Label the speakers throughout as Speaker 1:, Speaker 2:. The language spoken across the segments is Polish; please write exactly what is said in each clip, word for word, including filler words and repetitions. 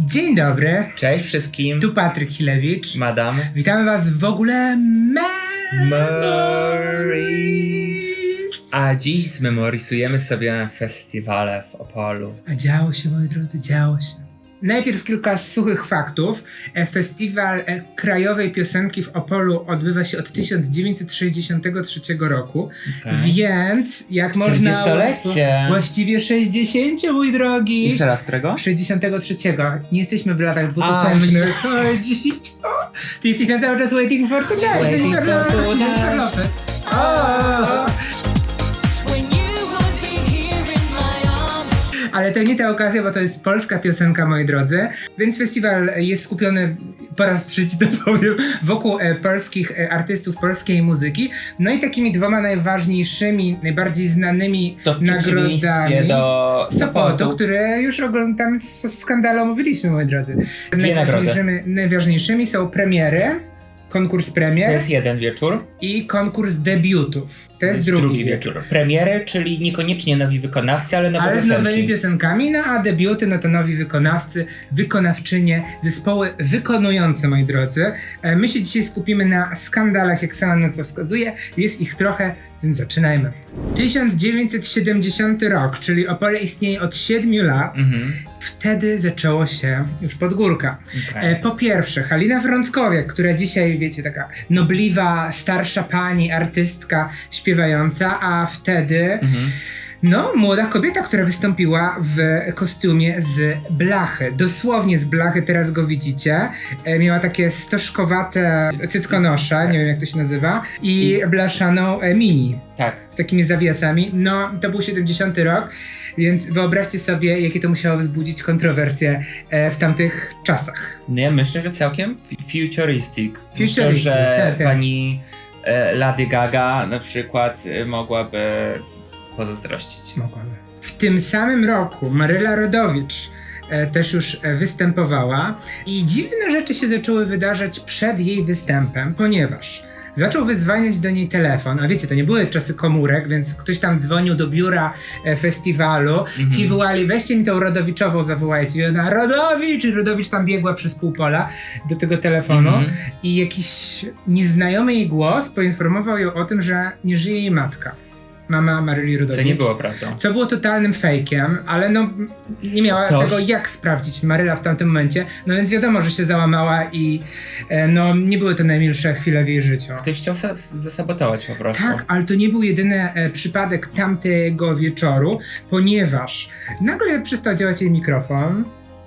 Speaker 1: Dzień dobry,
Speaker 2: Cześć wszystkim.
Speaker 1: tu Patryk Chilewicz.
Speaker 2: Madam.
Speaker 1: Witamy was w ogóle
Speaker 2: Memories. A dziś zmemorisujemy sobie festiwale w Opolu.
Speaker 1: A działo się, moi drodzy, działo się. Najpierw kilka suchych faktów. E, Festiwal e, Krajowej Piosenki w Opolu odbywa się od tysiąc dziewięćset sześćdziesiątego trzeciego roku,
Speaker 2: Okay.
Speaker 1: więc jak można...
Speaker 2: czterdziestolecie.
Speaker 1: Właściwie sześćdziesiąt, mój drogi.
Speaker 2: Jeszcze raz, którego?
Speaker 1: sześćdziesiątego trzeciego. Nie jesteśmy w latach dwutysięcznych. Chodzi. Ty jesteś na cały czas waiting for tonight.
Speaker 2: Waiting
Speaker 1: Jennifer
Speaker 2: for
Speaker 1: Lopez.
Speaker 2: tonight.
Speaker 1: Jennifer Lopez. O! Ale to nie ta okazja, bo to jest polska piosenka, moi drodzy. Więc festiwal jest skupiony, po raz trzeci to powiem, wokół e, polskich e, artystów, polskiej muzyki. No i takimi dwoma najważniejszymi, najbardziej znanymi
Speaker 2: To w
Speaker 1: nagrodami.
Speaker 2: przeciwieństwie do
Speaker 1: Sopotu,
Speaker 2: Sopotu.
Speaker 1: które już oglądam z skandalu omówiliśmy, moi drodzy.
Speaker 2: Dwie
Speaker 1: Najważniejszymi, najważniejszymi są premiery, konkurs premier
Speaker 2: To jest jeden wieczór.
Speaker 1: i konkurs debiutów. To jest drugi, wieczór.
Speaker 2: Premiery, czyli niekoniecznie nowi wykonawcy, ale nowe
Speaker 1: Ale z
Speaker 2: piosenki.
Speaker 1: nowymi piosenkami, no a debiuty, no to nowi wykonawcy, wykonawczynie, zespoły wykonujące, moi drodzy. E, My się dzisiaj skupimy na skandalach, jak sama nazwa wskazuje. Jest ich trochę, więc zaczynajmy. tysiąc dziewięćset siedemdziesiąty rok, czyli Opole istnieje od siedmiu lat.
Speaker 2: Mhm.
Speaker 1: Wtedy zaczęło się już podgórka.
Speaker 2: Okay.
Speaker 1: E, po pierwsze, Halina Frąckowiak, która dzisiaj, wiecie, taka nobliwa, starsza pani, artystka, śpiewająca, a wtedy,
Speaker 2: Mhm.
Speaker 1: no, młoda kobieta, która wystąpiła w kostiumie z blachy. Dosłownie z blachy, teraz go widzicie. E, miała takie stożkowate cyckonosze, nie wiem jak to się nazywa, i blaszaną e, mini.
Speaker 2: Tak.
Speaker 1: Z takimi zawiasami. No, to był siedemdziesiąty rok, więc wyobraźcie sobie, jakie to musiało wzbudzić kontrowersje e, w tamtych czasach.
Speaker 2: No ja myślę, że całkiem futuristic. Myślę,
Speaker 1: Futuristic,
Speaker 2: że
Speaker 1: tak, tak.
Speaker 2: pani e, Lady Gaga na przykład e, mogłaby pozazdrościć.
Speaker 1: Mogłaby. W tym samym roku Maryla Rodowicz e, też już e, występowała i dziwne rzeczy się zaczęły wydarzać przed jej występem, ponieważ zaczął wyzwaniać do niej telefon, a wiecie, to nie były czasy komórek, więc ktoś tam dzwonił do biura e, festiwalu,
Speaker 2: Mhm.
Speaker 1: ci wołali, weźcie mi tą Rodowiczową, zawołajcie. I ona, Rodowicz! I Rodowicz tam biegła przez pół pola do tego telefonu
Speaker 2: Mhm.
Speaker 1: i jakiś nieznajomy jej głos poinformował ją o tym, że nie żyje jej matka. Mama Maryli Rodowicz.
Speaker 2: Co nie było prawdą.
Speaker 1: Co było totalnym fejkiem, ale no nie miała
Speaker 2: Toż-
Speaker 1: tego jak sprawdzić Maryla w tamtym momencie, no więc wiadomo, że się załamała i e, no nie były to najmilsze chwile w jej życiu.
Speaker 2: Ktoś chciał sa- zasabotować po prostu.
Speaker 1: Tak, ale to nie był jedyny e, przypadek tamtego wieczoru, ponieważ nagle przestał działać jej mikrofon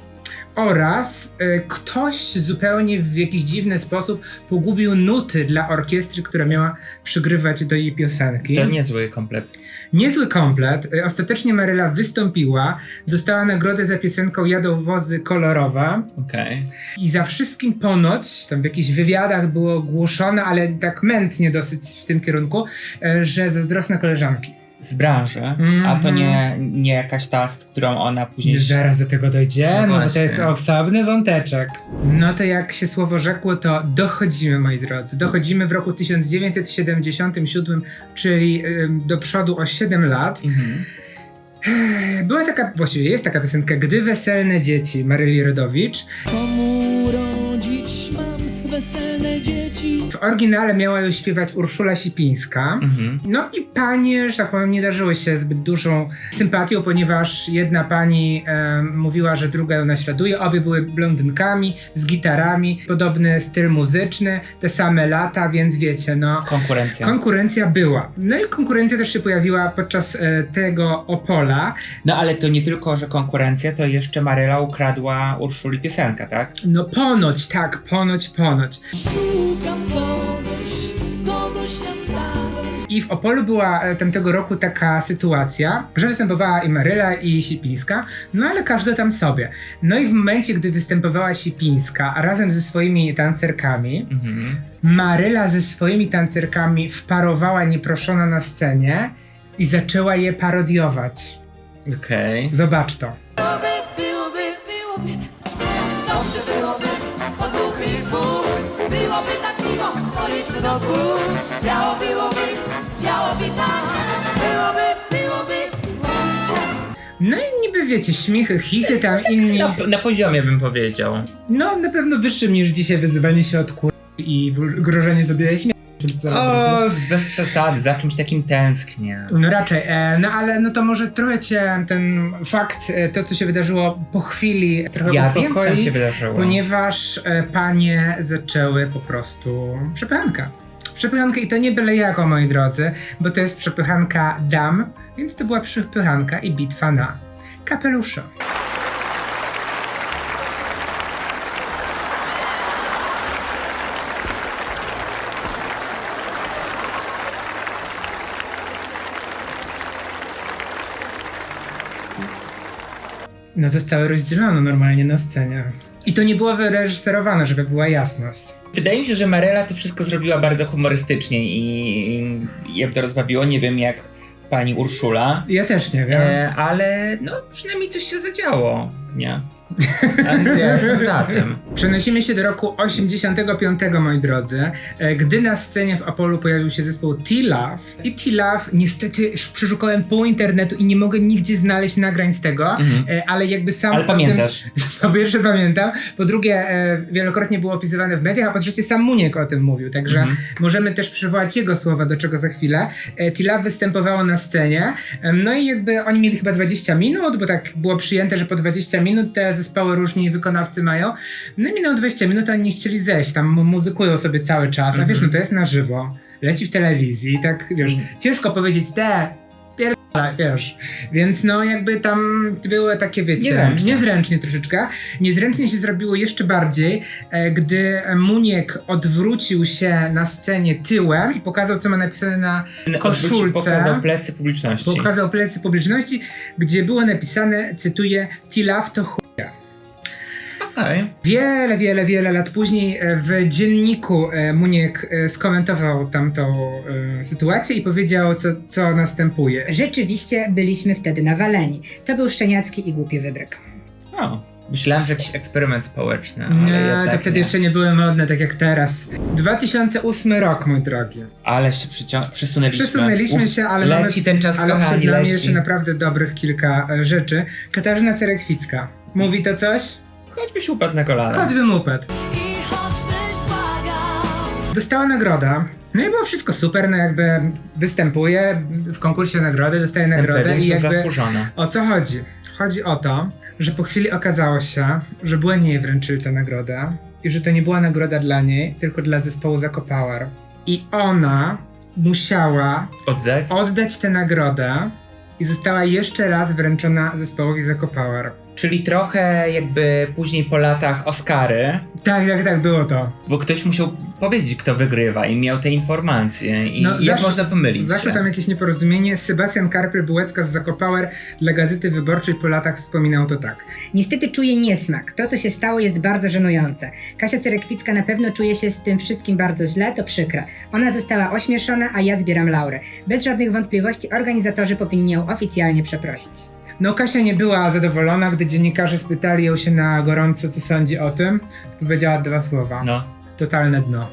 Speaker 1: oraz e, ktoś zupełnie w jakiś dziwny sposób pogubił nuty dla orkiestry, która miała przygrywać do jej piosenki.
Speaker 2: To niezły komplet.
Speaker 1: Niezły komplet. E, Ostatecznie Maryla wystąpiła, dostała nagrodę za piosenką Jadą wozy kolorowe
Speaker 2: Okej.
Speaker 1: i za wszystkim ponoć, tam w jakichś wywiadach było głoszone, ale tak mętnie dosyć w tym kierunku, e, że zazdrosne koleżanki.
Speaker 2: Z branży,
Speaker 1: Mhm.
Speaker 2: a to nie, nie jakaś ta, z którą ona później...
Speaker 1: Zaraz do tego dojdziemy,
Speaker 2: No
Speaker 1: bo to jest
Speaker 2: właśnie.
Speaker 1: osobny wąteczek. No to jak się słowo rzekło, to dochodzimy, moi drodzy. Dochodzimy w roku tysiąc dziewięćset siedemdziesiątym siódmym, czyli ym, do przodu o siedem lat.
Speaker 2: Mhm.
Speaker 1: Była taka, właściwie jest taka piosenka Gdy weselne dzieci Maryli Rodowicz.
Speaker 3: Komu rodzić mam weselne dzieci?
Speaker 1: W oryginale miała ją śpiewać Urszula Sipińska.
Speaker 2: Mhm.
Speaker 1: No i panie, że tak powiem, nie darzyły się zbyt dużą sympatią, ponieważ jedna pani e, mówiła, że druga ją naśladuje. Obie były blondynkami, z gitarami, podobny styl muzyczny, te same lata, więc wiecie, no...
Speaker 2: Konkurencja.
Speaker 1: Konkurencja była. No i konkurencja też się pojawiła podczas e, tego Opola.
Speaker 2: No ale to nie tylko, że konkurencja, to jeszcze Maryla ukradła Urszuli piosenkę, tak?
Speaker 1: No ponoć, tak, ponoć, ponoć.
Speaker 3: Szukam kogoś, kogoś na stałe.
Speaker 1: I w Opolu była e, tamtego roku taka sytuacja, że występowała i Maryla, i Sipińska, no ale każda tam sobie. No i w momencie, gdy występowała Sipińska razem ze swoimi tancerkami,
Speaker 2: Mhm.
Speaker 1: Maryla ze swoimi tancerkami wparowała nieproszona na scenie i zaczęła je parodiować.
Speaker 2: Okej.
Speaker 1: Zobacz to.
Speaker 3: Byłoby, byłoby, dobrze byłoby, po dwóch i pół. Byłoby tak miło, policzmy do dwóch. Biało byłoby, biało by tak. Byłoby, byłoby, byłoby tak.
Speaker 1: No i niby wiecie, śmichy, chichy tam inni.
Speaker 2: Na, na poziomie bym powiedział.
Speaker 1: No, na pewno wyższym niż dzisiaj wyzywanie się od kur... i w- grożenie sobie śmierci.
Speaker 2: O, już bez przesady, za czymś takim tęsknię.
Speaker 1: No raczej, e, no ale no to może trochę cię ten fakt, e, to co się wydarzyło po chwili trochę
Speaker 2: Ja wiem, co
Speaker 1: uspokoi,
Speaker 2: tam się wydarzyło.
Speaker 1: ponieważ e, panie zaczęły po prostu przepychankę. Przepychankę i to nie byle jako, moi drodzy, bo to jest przepychanka dam, więc to była przepychanka i bitwa na kapelusze. No zostały rozdzielone normalnie na scenie. I to nie było wyreżyserowane, żeby była jasność.
Speaker 2: Wydaje mi się, że Maryla to wszystko zrobiła bardzo humorystycznie i, i je to rozbawiło. Nie wiem jak pani Urszula,
Speaker 1: Ja też nie wiem.
Speaker 2: e, ale no przynajmniej coś się zadziało, nie? Ale ja jestem za tym.
Speaker 1: Przenosimy się do roku osiemdziesiątego piątego, moi drodzy, e, gdy na scenie w Apollo pojawił się zespół T-Love. I T-Love, niestety już przeszukałem pół internetu i nie mogę nigdzie znaleźć nagrań z tego,
Speaker 2: Mhm.
Speaker 1: e, ale jakby sam
Speaker 2: Ale
Speaker 1: o tym-
Speaker 2: pamiętasz.
Speaker 1: Po pierwsze pamiętam, po drugie e, wielokrotnie było opisywane w mediach, a po trzecie sam Muniek o tym mówił, także
Speaker 2: Mhm.
Speaker 1: możemy też przywołać jego słowa, do czego za chwilę. E, T-Love występowało na scenie, e, no i jakby oni mieli chyba dwadzieścia minut, bo tak było przyjęte, że po dwadzieścia minut te zespoły różni wykonawcy mają. No i minęło dwadzieścia minut, a oni nie chcieli zejść, tam mu- muzykują sobie cały czas, a
Speaker 2: Mhm.
Speaker 1: wiesz, no to jest na żywo, leci w telewizji, tak wiesz,
Speaker 2: Mhm.
Speaker 1: ciężko powiedzieć, te, spierdalaj, wiesz. Więc no jakby tam były takie, wiecie,
Speaker 2: Niezręcznie.
Speaker 1: niezręcznie troszeczkę. Niezręcznie się zrobiło jeszcze bardziej, e, gdy Muniek odwrócił się na scenie tyłem i pokazał, co ma napisane na koszulce.
Speaker 2: Pokazał plecy publiczności.
Speaker 1: Pokazał plecy publiczności, gdzie było napisane, cytuję, T-Love to chuja.
Speaker 2: Okej.
Speaker 1: Wiele, wiele, wiele lat później e, w dzienniku e, Muniek e, skomentował tamtą e, sytuację i powiedział, co, co następuje.
Speaker 4: Rzeczywiście byliśmy wtedy nawaleni. To był szczeniacki i głupi wybryk.
Speaker 2: O, myślałem, że jakiś eksperyment społeczny, ale
Speaker 1: Nie,
Speaker 2: jednak
Speaker 1: to wtedy
Speaker 2: nie.
Speaker 1: jeszcze nie były modne, tak jak teraz. dwa tysiące ósmy rok, mój drogi.
Speaker 2: Ale się przycią- przesunęliśmy.
Speaker 1: Przesunęliśmy
Speaker 2: Uf,
Speaker 1: się, ale
Speaker 2: leci
Speaker 1: mamy,
Speaker 2: ten czas,
Speaker 1: ale
Speaker 2: kochani,
Speaker 1: przed nami
Speaker 2: leci.
Speaker 1: jeszcze naprawdę dobrych kilka e, rzeczy. Katarzyna Cerekwicka. Mówi to coś?
Speaker 2: Choćbyś upadł na kolana.
Speaker 1: Choćby upad.
Speaker 3: I choćbyś błagał.
Speaker 1: Dostała nagroda. No i było wszystko super, no jakby występuje w konkursie o nagrody, dostaje nagrodę i jakby
Speaker 2: zasłużona.
Speaker 1: o co chodzi? Chodzi o to, że po chwili okazało się, że błędnie jej wręczyli tę nagrodę i że to nie była nagroda dla niej, tylko dla zespołu Zakopower. I ona musiała
Speaker 2: Oddać?
Speaker 1: oddać tę nagrodę i została jeszcze raz wręczona zespołowi Zakopower.
Speaker 2: Czyli trochę jakby później po latach Oscary,
Speaker 1: Tak, tak, tak, było to.
Speaker 2: bo ktoś musiał powiedzieć, kto wygrywa i miał te informacje i
Speaker 1: No,
Speaker 2: jak
Speaker 1: zawsze-
Speaker 2: można pomylić
Speaker 1: Zaszło
Speaker 2: się.
Speaker 1: tam jakieś nieporozumienie. Sebastian Karpiel-Bułecka z Zakopower dla Gazety Wyborczej po latach wspominał to tak.
Speaker 4: Niestety czuję niesmak. To, co się stało, jest bardzo żenujące. Kasia Cerekwicka na pewno czuje się z tym wszystkim bardzo źle, to przykre. Ona została ośmieszona, a ja zbieram laurę. Bez żadnych wątpliwości organizatorzy powinni ją oficjalnie przeprosić.
Speaker 1: No Kasia nie była zadowolona, gdy dziennikarze spytali ją się na gorąco, co sądzi o tym. Powiedziała dwa słowa.
Speaker 2: No.
Speaker 1: Totalne dno.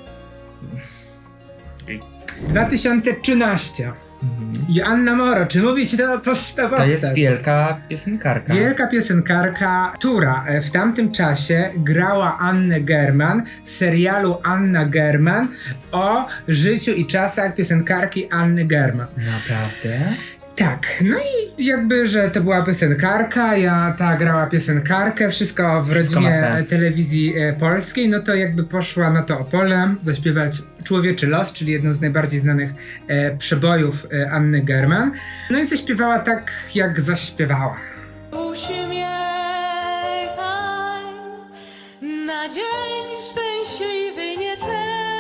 Speaker 1: dwa tysiące trzynaście.
Speaker 2: Mhm.
Speaker 1: Joanna Moro, czy mówi ci to coś ta
Speaker 2: To
Speaker 1: postać?
Speaker 2: jest wielka piosenkarka.
Speaker 1: Wielka piosenkarka, która e, w tamtym czasie grała Annę German w serialu Anna German o życiu i czasach piosenkarki Anny German.
Speaker 2: Naprawdę?
Speaker 1: Tak, no i jakby, że to była piosenkarka, ja ta grała piosenkarkę, wszystko w
Speaker 2: Wszystko ma
Speaker 1: rodzinie
Speaker 2: sens.
Speaker 1: telewizji e, polskiej, no to jakby poszła na to Opole zaśpiewać Człowieczy los, czyli jedną z najbardziej znanych e, przebojów e, Anny German. No i zaśpiewała tak, jak zaśpiewała.
Speaker 3: Uśmiechaj na dzień szczęśliwy nie czekaj,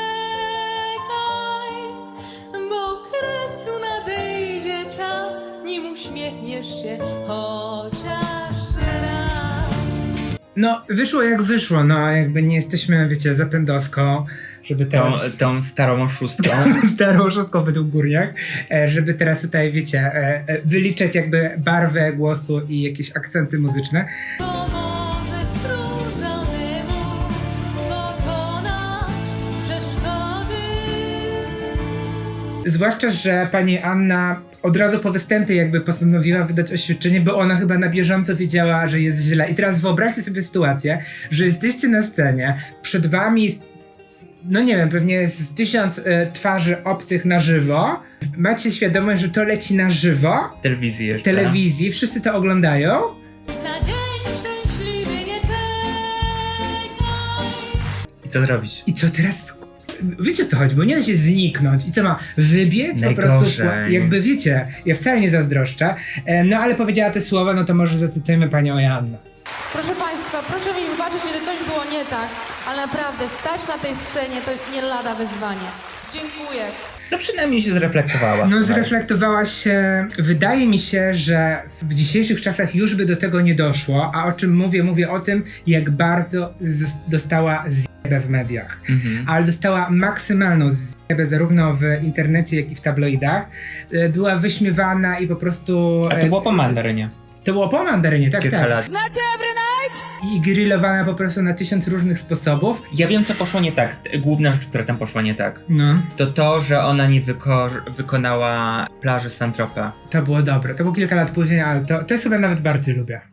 Speaker 3: bo kresu nadejdzie czas, nim uśmiechniesz się chociaż raz.
Speaker 1: No, wyszło jak wyszło, no jakby nie jesteśmy, wiecie, zapędowską, żeby
Speaker 2: Tą,
Speaker 1: teraz...
Speaker 2: tą starą oszustką.
Speaker 1: starą szóstką według górniak, e, żeby teraz tutaj, wiecie, e, e, wyliczać jakby barwę głosu i jakieś akcenty muzyczne.
Speaker 3: Pomoże strudzonemu pokonać przeszkody.
Speaker 1: Zwłaszcza, że pani Anna od razu po występie jakby postanowiła wydać oświadczenie, bo ona chyba na bieżąco wiedziała, że jest źle. I teraz wyobraźcie sobie sytuację, że jesteście na scenie, przed wami jest, no nie wiem, pewnie z tysiąc y, twarzy obcych na żywo, macie świadomość, że to leci na żywo,
Speaker 2: W telewizji
Speaker 1: w
Speaker 2: jeszcze.
Speaker 1: telewizji, wszyscy to oglądają.
Speaker 3: Na dzień szczęśliwy nie czekaj.
Speaker 2: I co zrobić?
Speaker 1: I co teraz? Wiecie o co chodzi, bo nie da się zniknąć. I co ma? Wybiec po prostu.
Speaker 2: Najgorzej.
Speaker 1: Jakby wiecie, ja wcale nie zazdroszczę. E, No ale powiedziała te słowa, no to może zacytujmy panią Joannę.
Speaker 5: Proszę Państwa, proszę mi wybaczyć, jeżeli coś było nie tak, ale naprawdę stać na tej scenie to jest nie lada wyzwanie. Dziękuję.
Speaker 2: No przynajmniej się zreflektowała.
Speaker 1: No
Speaker 2: słuchaj.
Speaker 1: zreflektowała się. Wydaje mi się, że w dzisiejszych czasach już by do tego nie doszło. A o czym mówię? Mówię o tym, jak bardzo z- dostała zjebę w mediach.
Speaker 2: Mhm.
Speaker 1: Ale dostała maksymalną zjebę zarówno w internecie, jak i w tabloidach. E, Była wyśmiewana i po prostu...
Speaker 2: A
Speaker 1: e,
Speaker 2: to było po mandarynie.
Speaker 1: To było po mandarynie, tak,
Speaker 2: Kilka
Speaker 1: tak.
Speaker 2: lat.
Speaker 3: Znacie every night?
Speaker 1: I grillowana po prostu na tysiąc różnych sposobów.
Speaker 2: Ja wiem, co poszło nie tak. Główna rzecz, która tam poszła nie tak.
Speaker 1: No,
Speaker 2: To to, że ona nie wyko- wykonała plaży Saint-Tropez.
Speaker 1: to było dobre. To było kilka lat później, ale to, to sobie nawet bardziej lubię.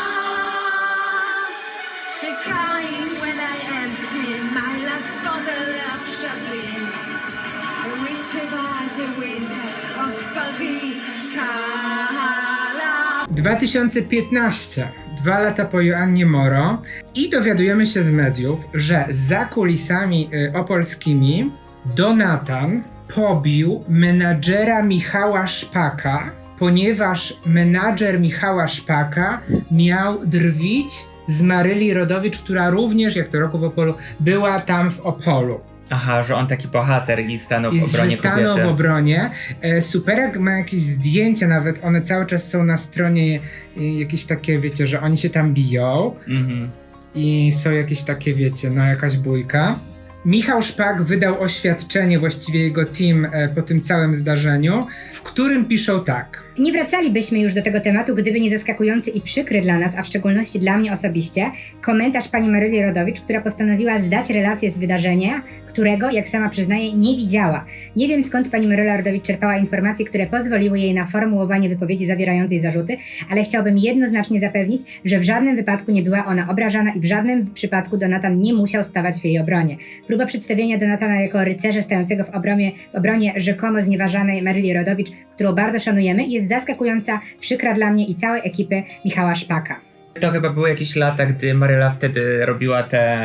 Speaker 6: Crying when I empty my last bottle of champagne. We survive the winter of Palpicala.
Speaker 1: dwa tysiące piętnaście, dwa lata po Joannie Moro i dowiadujemy się z mediów, że za kulisami y, opolskimi Donatan pobił menadżera Michała Szpaka, ponieważ menadżer Michała Szpaka miał drwić z Maryli Rodowicz, która również, jak co roku w Opolu, była tam w Opolu.
Speaker 2: Aha, że on taki bohater i stanął
Speaker 1: I
Speaker 2: w obronie
Speaker 1: stanął w
Speaker 2: kobiety.
Speaker 1: obronie. E, Superek ma jakieś zdjęcia nawet, one cały czas są na stronie, e, jakieś takie, wiecie, że oni się tam biją
Speaker 2: Mhm.
Speaker 1: i są jakieś takie, wiecie, no jakaś bójka. Michał Szpak wydał oświadczenie, właściwie jego team, e, po tym całym zdarzeniu, w którym piszą tak.
Speaker 4: Nie wracalibyśmy już do tego tematu, gdyby nie zaskakujący i przykry dla nas, a w szczególności dla mnie osobiście, komentarz pani Maryli Rodowicz, która postanowiła zdać relację z wydarzenia, którego, jak sama przyznaje, nie widziała. Nie wiem, skąd pani Maryla Rodowicz czerpała informacje, które pozwoliły jej na formułowanie wypowiedzi zawierającej zarzuty, ale chciałbym jednoznacznie zapewnić, że w żadnym wypadku nie była ona obrażana i w żadnym przypadku Donatan nie musiał stawać w jej obronie. Próba przedstawienia Donatana jako rycerza stającego w obronie, w obronie rzekomo znieważanej Maryli Rodowicz, którą bardzo szanujemy, jest zaskakująca, przykra dla mnie i całej ekipy Michała Szpaka.
Speaker 2: To chyba były jakieś lata, gdy Maryla wtedy robiła te...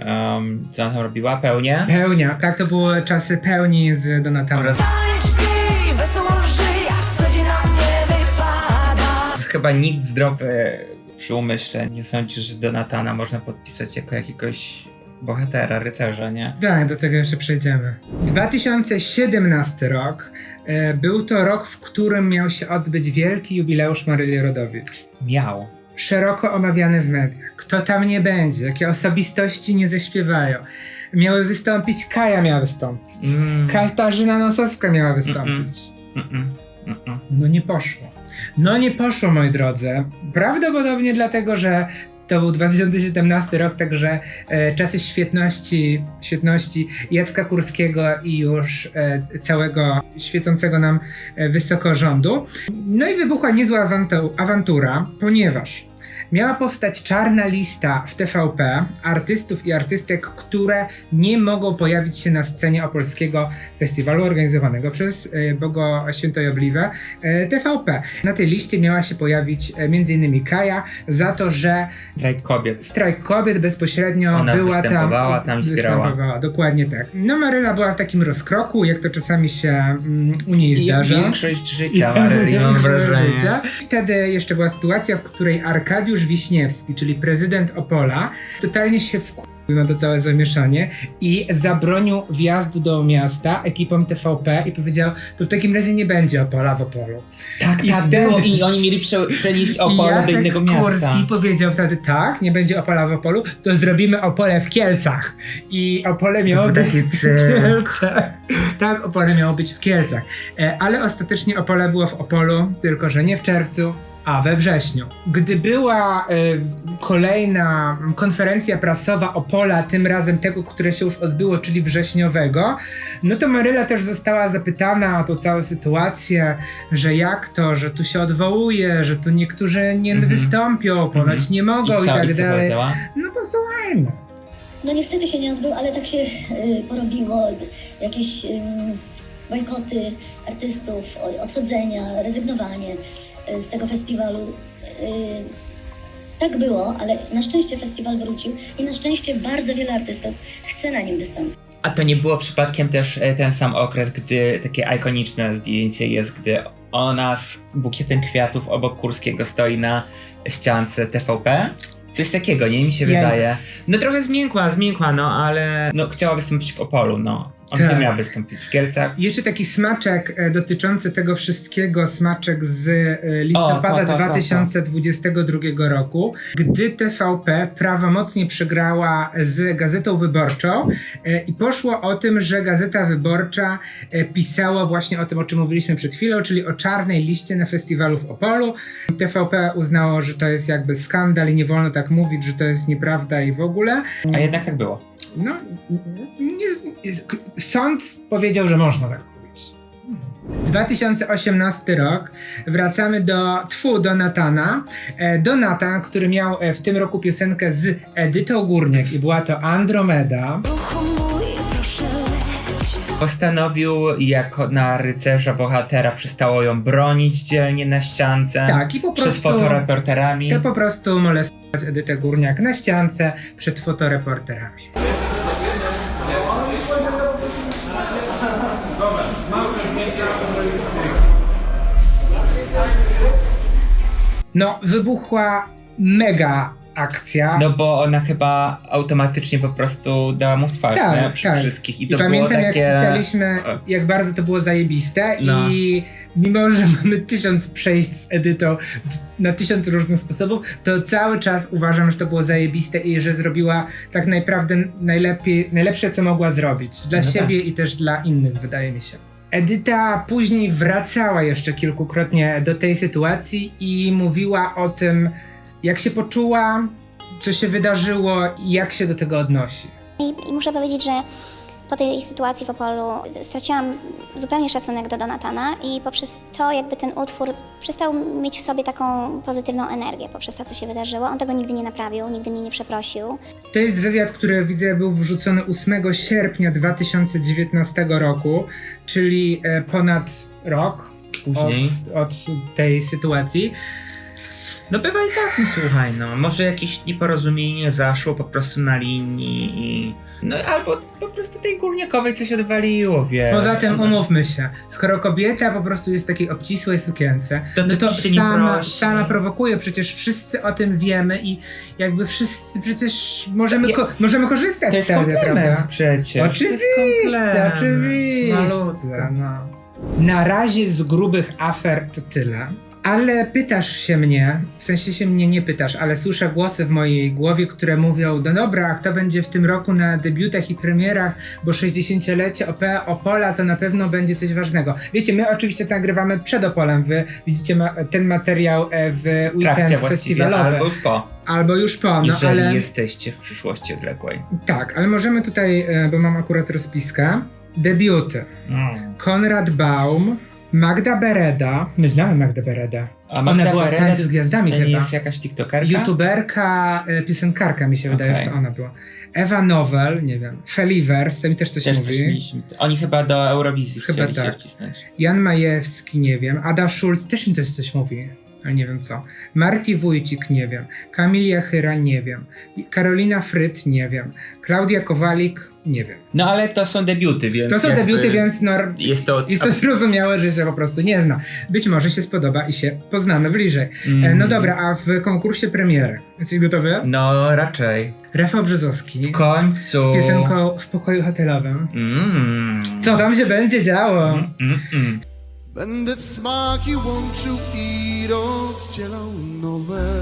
Speaker 2: Um, co ona tam robiła? Pełnie?
Speaker 1: Pełnia, tak, to były czasy pełni z Donatanem.
Speaker 2: Oraz
Speaker 3: Tańcz, pij, wesoło żyj, jak co dzień nam nie wypada.
Speaker 2: chyba nikt zdrowy przy umyśle nie sądzi, że Donatana można podpisać jako jakiegoś bohatera, rycerza, nie?
Speaker 1: Tak, do tego jeszcze przejdziemy. dwa tysiące siedemnasty rok e, był to rok, w którym miał się odbyć wielki jubileusz Maryli Rodowicz.
Speaker 2: Miał.
Speaker 1: Szeroko omawiany w mediach. Kto tam nie będzie, jakie osobistości nie zaśpiewają. Miały wystąpić, Kaja miała wystąpić.
Speaker 2: Mm.
Speaker 1: Katarzyna Nosowska miała wystąpić.
Speaker 2: Mm-mm. Mm-mm.
Speaker 1: No nie poszło. No nie poszło, moi drodzy. Prawdopodobnie dlatego, że to był dwa tysiące siedemnasty rok, także e, czasy świetności, świetności Jacka Kurskiego i już e, całego świecącego nam e, wysoko rządu. No i wybuchła niezła awantu- awantura, ponieważ miała powstać czarna lista w T V P artystów i artystek, które nie mogą pojawić się na scenie opolskiego festiwalu organizowanego przez e, Bogo Świętojobliwe e, T V P. Na tej liście miała się pojawić e, m.in. Kaja za to, że
Speaker 2: Strajk kobiet.
Speaker 1: strajk kobiet bezpośrednio
Speaker 2: Ona
Speaker 1: była
Speaker 2: występowała
Speaker 1: tam.
Speaker 2: tam, wspierała.
Speaker 1: Występowała, dokładnie tak. No Maryla była w takim rozkroku, jak to czasami się mm, u niej
Speaker 2: I
Speaker 1: zdarza.
Speaker 2: większość życia Maryli, mam wrażenie.
Speaker 1: Życia. Wtedy jeszcze była sytuacja, w której Arkadiusz Wiśniewski, czyli prezydent Opola, totalnie się wkurzył na to całe zamieszanie i zabronił wjazdu do miasta ekipom T V P i powiedział, to w takim razie nie będzie Opola w Opolu.
Speaker 2: Tak,
Speaker 1: I
Speaker 2: tak
Speaker 1: wtedy-
Speaker 2: było i oni mieli prze, przenieść Opole do
Speaker 1: Jacek
Speaker 2: innego miasta.
Speaker 1: Kurski powiedział wtedy, tak, nie będzie Opola w Opolu, to zrobimy Opole w Kielcach. I Opole miało
Speaker 2: był
Speaker 1: być
Speaker 2: taki
Speaker 1: w
Speaker 2: cyrk.
Speaker 1: Kielcach. Tak, Opole miało być w Kielcach. E, ale ostatecznie Opole było w Opolu, tylko że nie w czerwcu, A, we wrześniu. Gdy była y, kolejna konferencja prasowa Opola, tym razem tego, które się już odbyło, czyli wrześniowego, no to Maryla też została zapytana o tą całą sytuację, że jak to, że tu się odwołuje, że tu niektórzy nie
Speaker 2: Mhm.
Speaker 1: wystąpią, ponoć
Speaker 2: Mhm.
Speaker 1: nie mogą i,
Speaker 2: I co,
Speaker 1: tak
Speaker 2: i co
Speaker 1: dalej.
Speaker 2: powiedziała?
Speaker 1: No posłuchajmy.
Speaker 7: No niestety się nie odbył, ale tak się y, porobiło. Jakieś y, bojkoty artystów, o- odchodzenia, rezygnowanie y, z tego festiwalu. Y, tak było, ale na szczęście festiwal wrócił i na szczęście bardzo wiele artystów chce na nim wystąpić.
Speaker 2: A to nie było przypadkiem też e, ten sam okres, gdy takie ikoniczne zdjęcie jest, gdy ona z bukietem kwiatów obok Kurskiego stoi na ściance T V P? Coś takiego, nie? Mi się
Speaker 1: Jajks.
Speaker 2: wydaje. No trochę zmiękła, zmiękła, no ale no chciała wystąpić w Opolu, no. On
Speaker 1: Tak.
Speaker 2: gdzie miał wystąpić? W Kielcach?
Speaker 1: Jeszcze taki smaczek e, dotyczący tego wszystkiego, smaczek z e, listopada
Speaker 2: O, to, to, to,
Speaker 1: dwa tysiące dwudziestego drugiego roku, gdy T V P prawomocnie przegrała z Gazetą Wyborczą e, i poszło o tym, że Gazeta Wyborcza e, pisała właśnie o tym, o czym mówiliśmy przed chwilą, czyli o czarnej liście na festiwalu w Opolu. T V P uznało, że to jest jakby skandal i nie wolno tak mówić, że to jest nieprawda i w ogóle.
Speaker 2: A jednak tak było.
Speaker 1: No, nie, sąd powiedział, że można tak mówić. dwa tysiące osiemnasty rok. Wracamy do tfu, do Natana. E, do Natan, który miał e, w tym roku piosenkę z Edytą Górniak i była to Andromeda.
Speaker 2: Postanowił jako na rycerza bohatera przestało ją bronić dzielnie na ściance.
Speaker 1: Tak, i po
Speaker 2: Przed
Speaker 1: prostu
Speaker 2: fotoreporterami.
Speaker 1: to po prostu molestować Edytę Górniak na ściance przed fotoreporterami. No, wybuchła mega akcja.
Speaker 2: No bo ona chyba automatycznie po prostu dała mu w twarz,
Speaker 1: Tak,
Speaker 2: nie? Przy
Speaker 1: tak.
Speaker 2: wszystkich. I
Speaker 1: I
Speaker 2: to
Speaker 1: pamiętam,
Speaker 2: było takie...
Speaker 1: jak pisaliśmy, jak bardzo to było zajebiste
Speaker 2: No.
Speaker 1: i mimo, że mamy tysiąc przejść z Edytą w, na tysiąc różnych sposobów, to cały czas uważam, że to było zajebiste i że zrobiła tak naprawdę najlepiej, najlepsze, co mogła zrobić. Dla
Speaker 2: No
Speaker 1: siebie i też dla innych, wydaje mi się. Edyta później wracała jeszcze kilkukrotnie do tej sytuacji i mówiła o tym, jak się poczuła, co się wydarzyło i jak się do tego odnosi.
Speaker 8: I, I muszę powiedzieć, że po tej sytuacji w Opolu straciłam zupełnie szacunek do Donatana i poprzez to jakby ten utwór przestał mieć w sobie taką pozytywną energię poprzez to, co się wydarzyło. On tego nigdy nie naprawił, nigdy mnie nie przeprosił.
Speaker 1: To jest wywiad, który widzę był wrzucony ósmego sierpnia dwa tysiące dziewiętnastego roku, czyli e, ponad rok
Speaker 2: Później.
Speaker 1: od, od tej sytuacji.
Speaker 2: No bywa i tak, no słuchaj, no. Może jakieś nieporozumienie zaszło po prostu na linii i... No albo po prostu tej górnikowej coś odwaliło, wiesz.
Speaker 1: Poza tym
Speaker 2: Ona-
Speaker 1: umówmy się, skoro kobieta po prostu jest w takiej obcisłej sukience,
Speaker 2: To
Speaker 1: no to
Speaker 2: ty się nie
Speaker 1: sama,
Speaker 2: prosi.
Speaker 1: sama prowokuje, przecież wszyscy o tym wiemy i jakby wszyscy przecież możemy,
Speaker 2: Ja-
Speaker 1: ko- możemy korzystać
Speaker 2: To jest
Speaker 1: wtedy,
Speaker 2: komplement
Speaker 1: prawda?
Speaker 2: przecież.
Speaker 1: Oczywiście,
Speaker 2: To jest komplement.
Speaker 1: oczywiście.
Speaker 2: Malutko.
Speaker 1: No. Na razie z grubych afer to tyle. Ale pytasz się mnie, w sensie się mnie nie pytasz, ale słyszę głosy w mojej głowie, które mówią, no dobra, a kto będzie w tym roku na debiutach i premierach, bo sześćdziesięciolecie O P Opola to na pewno będzie coś ważnego. Wiecie, my oczywiście to nagrywamy przed Opolem, wy widzicie ma- ten materiał e, w
Speaker 2: W trakcie
Speaker 1: weekend
Speaker 2: właściwie,
Speaker 1: festiwalowy.
Speaker 2: albo już po.
Speaker 1: Albo już po, no
Speaker 2: Jeżeli
Speaker 1: ale...
Speaker 2: jesteście w przyszłości odległej.
Speaker 1: Tak, ale możemy tutaj, e, bo mam akurat rozpiskę, debiuty.
Speaker 2: Mm.
Speaker 1: Konrad Baum, Magda Bereda. My znamy Magdę Beredę.
Speaker 2: A
Speaker 1: Ona
Speaker 2: Magda
Speaker 1: była w
Speaker 2: Bereda
Speaker 1: Tańcu z Gwiazdami
Speaker 2: To nie
Speaker 1: chyba.
Speaker 2: jest jakaś tiktokerka?
Speaker 1: YouTuberka, e, piosenkarka mi się wydaje,
Speaker 2: Okej.
Speaker 1: że to ona była. Ewa Nowel, nie wiem. Feliver, z tym też coś
Speaker 2: Też coś
Speaker 1: mówi.
Speaker 2: mieliśmy. Oni chyba do Eurowizji
Speaker 1: Chyba
Speaker 2: chcieli
Speaker 1: tak.
Speaker 2: się wcisnąć.
Speaker 1: Jan Majewski, nie wiem. Ada Schulz też mi coś, coś mówi. Ale nie wiem co. Marti Wójcik, nie wiem. Kamilia Chyra, nie wiem. Karolina Fryt, nie wiem. Klaudia Kowalik, nie wiem.
Speaker 2: No ale to są debiuty, więc
Speaker 1: To są
Speaker 2: jakby
Speaker 1: debiuty, więc no,
Speaker 2: Jest to...
Speaker 1: jest to zrozumiałe, że się po prostu nie zna. Być może się spodoba i się poznamy bliżej. E, no dobra, a w konkursie premiery. Jesteś gotowy?
Speaker 2: No raczej.
Speaker 1: Rafał Brzozowski
Speaker 2: W końcu.
Speaker 1: z piosenką W pokoju hotelowym.
Speaker 2: Mm.
Speaker 1: Co tam się będzie działo?
Speaker 2: Mm, mm, mm.
Speaker 9: Będę smaki łączył i rozdzielał nowe.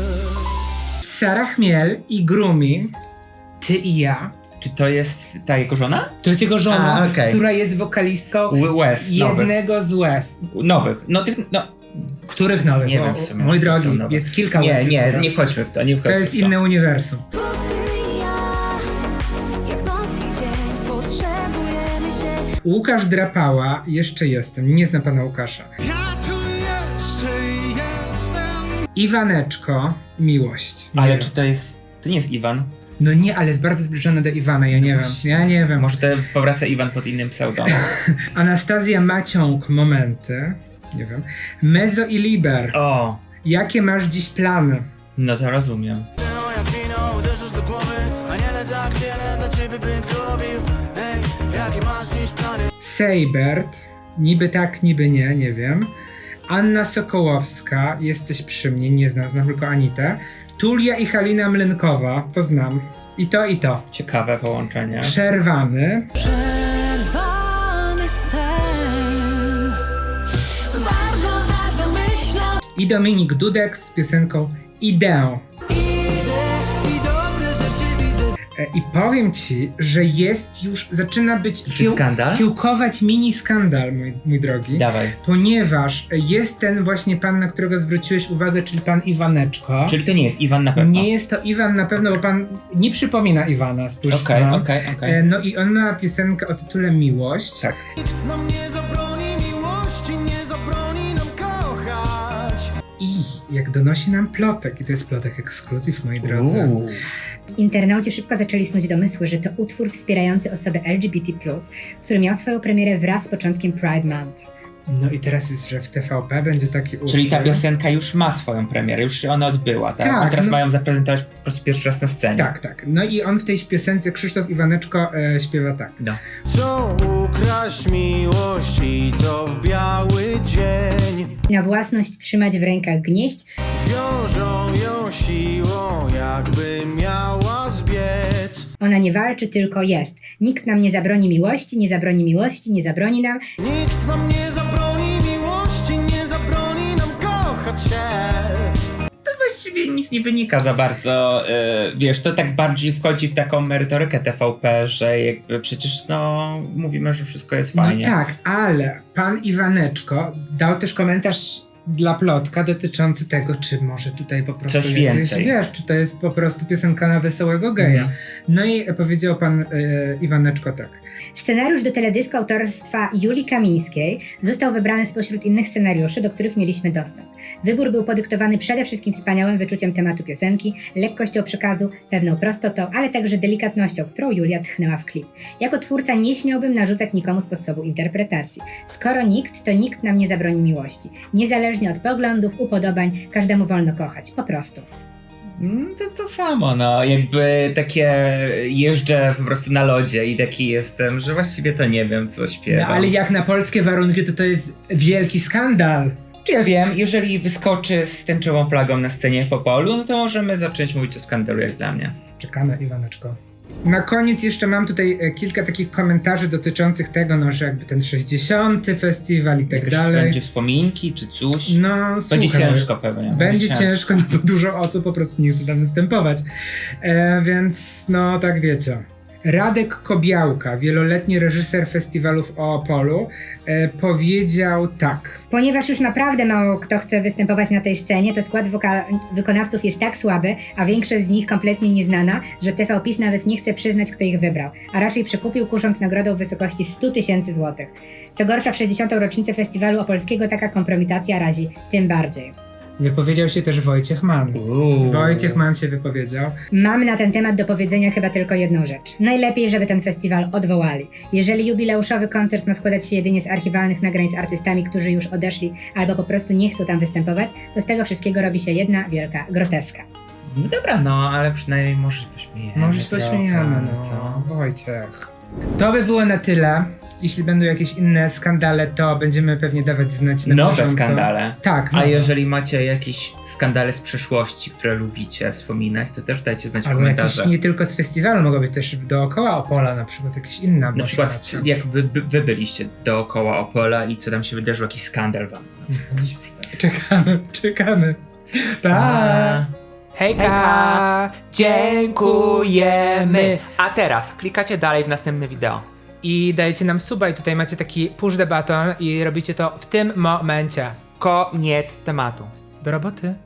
Speaker 1: Sara Chmiel i Grumi, Ty i ja.
Speaker 2: Czy to jest ta jego żona?
Speaker 1: To jest jego żona,
Speaker 2: A, okej.
Speaker 1: która jest wokalistką
Speaker 2: Łez nowych.
Speaker 1: jednego z Łez.
Speaker 2: Nowych. No tych, no
Speaker 1: Których nowych?
Speaker 2: Nie
Speaker 1: Bo,
Speaker 2: wiem, w sumie,
Speaker 1: mój
Speaker 2: czy to
Speaker 1: drogi,
Speaker 2: są nowe.
Speaker 1: jest kilka
Speaker 2: Nie,
Speaker 1: łezek
Speaker 2: nie,
Speaker 1: teraz.
Speaker 2: nie wchodźmy w to, nie
Speaker 1: To
Speaker 2: wchodźmy
Speaker 1: jest
Speaker 2: w to.
Speaker 1: inne uniwersum.
Speaker 3: Bo ty i ja, jak noc i dzień, potrzebujemy się.
Speaker 1: Łukasz Drapała, jeszcze jestem, nie znam pana Łukasza.
Speaker 9: Ja tu jeszcze jestem.
Speaker 1: Iwaneczko, miłość. Nie
Speaker 2: Ale
Speaker 1: wiem.
Speaker 2: czy to jest... To nie jest Iwan?
Speaker 1: No nie, ale jest bardzo zbliżony do Iwana, ja nie wiem,
Speaker 2: właśnie.
Speaker 1: ja nie wiem.
Speaker 2: Może to powraca Iwan pod innym pseudonimem.
Speaker 1: Anastazja Maciąg, momenty, nie wiem. Mezo i Liber,
Speaker 2: O,
Speaker 1: jakie masz dziś plany?
Speaker 2: no to rozumiem.
Speaker 10: Jak wino uderzysz do głowy, aniele tak wiele dla ciebie bym zrobił. Ej, jakie masz dziś plany?
Speaker 1: Seibert, niby tak, niby nie, nie wiem. Anna Sokołowska, jesteś przy mnie, nie znam, znam tylko Anitę. Tulia i Halina Mlynkowa, to znam. I to, i to.
Speaker 2: Ciekawe połączenie.
Speaker 1: Przerwany.
Speaker 3: Przerwany sen. Bardzo ważną myślą.
Speaker 1: I Dominik Dudek z piosenką Ideę.
Speaker 10: I dobre rzeczy widzę.
Speaker 1: E, I powiem ci, że jest już, zaczyna być
Speaker 2: Czy skandal?
Speaker 1: kiełkować mini skandal, mój, mój drogi.
Speaker 2: Dawaj.
Speaker 1: Ponieważ jest ten właśnie pan, na którego zwróciłeś uwagę, czyli pan Iwaneczko.
Speaker 2: Czyli to nie jest Iwan na pewno.
Speaker 1: Nie jest to Iwan na pewno, bo pan nie przypomina Iwana, spójrz
Speaker 2: Okej,
Speaker 1: sam.
Speaker 2: okej, okej.
Speaker 1: E, No i on ma piosenkę o tytule Miłość.
Speaker 2: Tak.
Speaker 10: Nikt nam nie zabroni miłości, nie zabroni nam kochać.
Speaker 1: I jak donosi nam plotek, i to jest plotek ekskluzyw, moi drodzy.
Speaker 2: Uuu.
Speaker 4: Internauci szybko zaczęli snuć domysły, że to utwór wspierający osoby L G B T plus, który miał swoją premierę wraz z początkiem Pride Month.
Speaker 1: No i teraz jest, że w T V P będzie taki utwór.
Speaker 2: Czyli ta piosenka już ma swoją premierę, już się ona odbyła, tak?
Speaker 1: Tak,
Speaker 2: A teraz
Speaker 1: no-
Speaker 2: mają zaprezentować po prostu pierwszy raz na scenie.
Speaker 1: Tak, tak. No i on w tej piosence, Krzysztof Iwaneczko, e, śpiewa tak.
Speaker 2: No.
Speaker 10: Co ukraść miłości, to w biały dzień.
Speaker 4: Na własność trzymać w rękach gnieść,
Speaker 10: Wiążą ją siłą, jakby miała zbiec.
Speaker 4: ona nie walczy, tylko jest. Nikt nam nie zabroni miłości, nie zabroni miłości, nie zabroni nam.
Speaker 10: Nikt nam nie zabroni miłości, nie zabroni nam kochać się.
Speaker 2: To właściwie nic nie wynika za bardzo, yy, wiesz, to tak bardziej wchodzi w taką merytorykę T V P, że jakby przecież no mówimy, że wszystko jest fajnie.
Speaker 1: No tak, ale pan Iwaneczko dał też komentarz dla plotka dotyczący tego, czy może tutaj po prostu
Speaker 2: Coś
Speaker 1: jest,
Speaker 2: więcej.
Speaker 1: wiesz, czy to jest po prostu piosenka na wesołego geja.
Speaker 2: Mhm.
Speaker 1: No i powiedział pan e, Iwaneczko tak.
Speaker 4: Scenariusz do teledysku autorstwa Julii Kamińskiej został wybrany spośród innych scenariuszy, do których mieliśmy dostęp. Wybór był podyktowany przede wszystkim wspaniałym wyczuciem tematu piosenki, lekkością przekazu, pewną prostotą, ale także delikatnością, którą Julia tchnęła w klip. Jako twórca nie śmiałbym narzucać nikomu sposobu interpretacji. Skoro nikt, to nikt nam nie zabroni miłości. Niezależnie od poglądów, upodobań, każdemu wolno kochać. Po prostu.
Speaker 2: Mm, To to samo, no, jakby takie jeżdżę po prostu na lodzie i taki jestem, że właściwie to nie wiem, co
Speaker 1: No
Speaker 2: śpiewam.
Speaker 1: ale jak na polskie warunki, to to jest wielki skandal.
Speaker 2: Czy ja wiem, jeżeli wyskoczy z tęczową flagą na scenie w Opolu, no to możemy zacząć mówić o skandalu, jak dla mnie.
Speaker 1: Czekamy, Iwaneczko. Na koniec jeszcze mam tutaj e, kilka takich komentarzy dotyczących tego, no, że jakby ten sześćdziesiąty festiwal i tak
Speaker 2: Jakieś
Speaker 1: dalej.
Speaker 2: będzie wspominki czy coś?
Speaker 1: No,
Speaker 2: Będzie
Speaker 1: słuchaj,
Speaker 2: ciężko pewnie.
Speaker 1: Będzie ciężko, no bo dużo osób po prostu nie chce tam występować. E, więc no tak wiecie. Radek Kobiałka, wieloletni reżyser festiwalów o Opolu, e, powiedział tak.
Speaker 4: Ponieważ już naprawdę mało kto chce występować na tej scenie, to skład woka- wykonawców jest tak słaby, a większość z nich kompletnie nieznana, że T V PiS nawet nie chce przyznać, kto ich wybrał, a raczej przekupił, kusząc nagrodą w wysokości stu tysięcy złotych. Co gorsza, w sześćdziesiątą rocznicę festiwalu opolskiego taka kompromitacja razi tym bardziej.
Speaker 1: Wypowiedział się też Wojciech Mann.
Speaker 2: Uuu.
Speaker 1: Wojciech Mann się wypowiedział.
Speaker 4: Mam na ten temat do powiedzenia chyba tylko jedną rzecz. Najlepiej, żeby ten festiwal odwołali. Jeżeli jubileuszowy koncert ma składać się jedynie z archiwalnych nagrań z artystami, którzy już odeszli albo po prostu nie chcą tam występować, to z tego wszystkiego robi się jedna wielka groteska.
Speaker 2: No dobra, no, ale przynajmniej może się pośmiejemy.
Speaker 1: Może się
Speaker 2: trochę,
Speaker 1: pośmiejemy, no.
Speaker 2: co?
Speaker 1: Wojciech. To by było na tyle. Jeśli będą jakieś inne skandale, to będziemy pewnie dawać znać na
Speaker 2: Nowe
Speaker 1: bieżąco.
Speaker 2: skandale.
Speaker 1: Tak,
Speaker 2: A
Speaker 1: nowe.
Speaker 2: jeżeli macie jakieś skandale z przeszłości, które lubicie wspominać, to też dajcie znać w
Speaker 1: Albo jakieś
Speaker 2: komentarzach.
Speaker 1: nie tylko z festiwalu, mogą być też dookoła Opola, na przykład jakieś inna.
Speaker 2: Na przykład jak wy, wy, wy byliście dookoła Opola i co tam się wydarzyło, jakiś skandal wam na przykład
Speaker 1: Mhm.
Speaker 2: się przydarzy.
Speaker 1: Czekamy, czekamy. Pa!
Speaker 2: Hejka! Dziękujemy! A teraz klikacie dalej w następne wideo.
Speaker 1: I dajecie nam suba i tutaj macie taki push the button i robicie to w tym momencie. Koniec tematu. Do roboty.